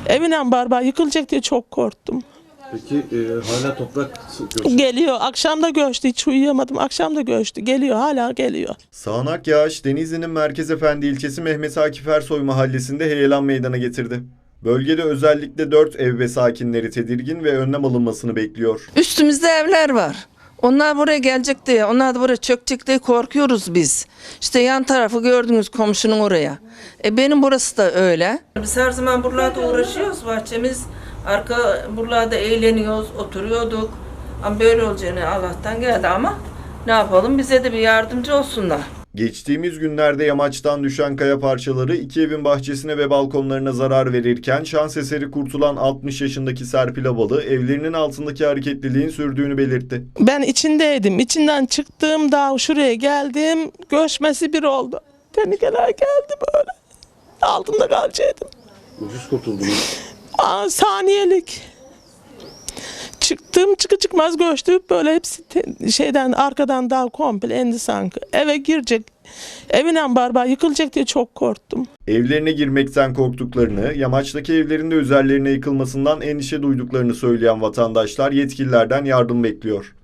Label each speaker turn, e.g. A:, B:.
A: Evinen barbar yıkılacak diye çok korktum.
B: Peki hala toprak göçü.
A: Geliyor. Akşam da göçtü. Hiç uyuyamadım. Akşam da göçtü. Geliyor. Hala geliyor.
C: Sağanak yağış Denizli'nin Merkezefendi ilçesi Mehmet Akif Ersoy mahallesinde heyelan meydana getirdi. Bölgede özellikle 4 ev ve sakinleri tedirgin ve önlem alınmasını bekliyor.
D: Üstümüzde evler var. Onlar buraya gelecek diye, onlar da buraya çökecek diye korkuyoruz biz. İşte yan tarafı gördünüz, komşunun oraya. Benim burası da öyle. Biz her zaman buralarda uğraşıyoruz. Bahçemiz arka buralarda eğleniyoruz, oturuyorduk. Ama böyle olacağını Allah'tan geldi ama ne yapalım, bize de bir yardımcı olsunlar.
C: Geçtiğimiz günlerde yamaçtan düşen kaya parçaları 2 evin bahçesine ve balkonlarına zarar verirken şans eseri kurtulan 60 yaşındaki Serpil Abalı evlerinin altındaki hareketliliğin sürdüğünü belirtti.
A: Ben içindeydim. İçinden çıktım. Daha şuraya geldim. Göçmesi bir oldu. Tehlikeler geldi böyle. Altında kalacaktım.
B: Ucuz kurtuldunuz.
A: Saniyelik. Çıktım çıkmaz göçtü. Böyle hepsi şeyden arkadan dal komple indi sanki. Eve girecek. Evinen barbar yıkılacak diye çok korktum.
C: Evlerine girmekten korktuklarını, yamaçtaki evlerinde üzerlerine yıkılmasından endişe duyduklarını söyleyen vatandaşlar yetkililerden yardım bekliyor.